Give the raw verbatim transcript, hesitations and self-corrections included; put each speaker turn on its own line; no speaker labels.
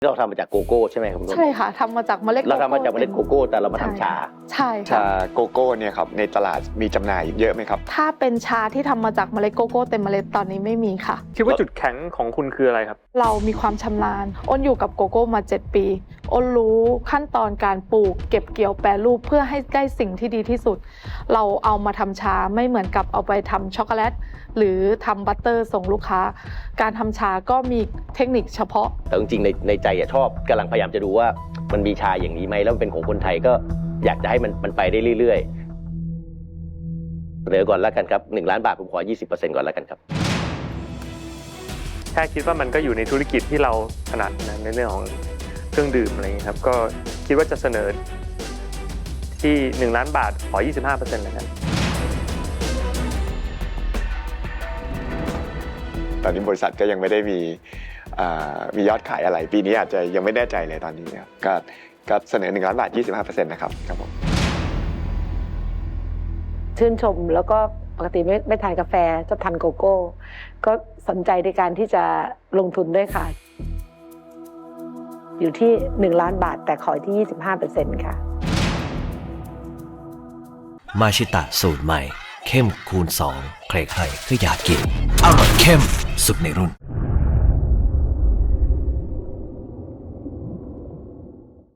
เราทำมาจากโกโก้ใช่ไหมครับคุณ
ใช่ค่ะทำมาจากเมล็ดโกโก้
เราทำมาจากเมล็ดโกโก้แต่เรามาทำชา
ใช่
ชา
ค่ะ
โกโก้เนี่ยครับในตลาดมีจำหน่ายเยอะไหมครับ
ถ้าเป็นชาที่ทำมาจากเมล็ดโกโก้เต็มเมล็ดตอนนี้ไม่มีค่ะ
คิดว่าจุดแข็งของคุณคืออะไรครับ
เรามีความชำนาญอ้นอยู่กับโกโก้มาเจ็ดปีอ้นรู้ขั้นตอนการปลูกเก็บเกี่ยวแปรรูปเพื่อให้ได้สิ่งที่ดีที่สุดเราเอามาทำชาไม่เหมือนกับเอาไปทำช็อกโกแลตหรือทำบัตเตอร์ส่งลูกค้าการทำชาก็มีเทคนิคเฉพาะ
แต่จริงๆในในใจอะชอบกำลังพยายามจะดูว่ามันมีชาอย่างนี้ไหมแล้วมันเป็นของคนไทยก็อยากจะให้มันมันไปได้เรื่อยๆเดี๋ยวก่อนแล้วกันครับหนึ่งล้านบาทผมขอ ยี่สิบเปอร์เซ็นต์ ก่อนแล้วกันครับ
แค่คิดว่ามันก็อยู่ในธุรกิจที่เราถนัดนะในเรื่องของเครื่องดื่มอะไรอย่างนี้ครับก็คิดว่าจะเสนอที่หนึ่งล้านบาทขอ ยี่สิบห้าเปอร์เซ็นต์ แล้วกัน
ตอนนี้บริษัทก็ยังไม่ได้มีมียอดขายอะไรปีนี้อาจจะยังไม่แน่ใจเลยตอนนี้ครับก็ก็เสนอหนึ่งล้านบาท ยี่สิบห้าเปอร์เซ็นต์ นะครับครับผม
ชื่นชมแล้วก็ปกติไม่ไม่ทานกาแฟจะทานโกโก้ก็สนใจในการที่จะลงทุนด้วยค่ะอยู่ที่หนึ่งล้านบาทแต่ขอที่ ยี่สิบห้าเปอร์เซ็นต์ ค่ะ
มาชิตะสูตรใหม่เข้มคูณสองใครๆก็อยากกินอร่อยเข้มสุดในรุ่น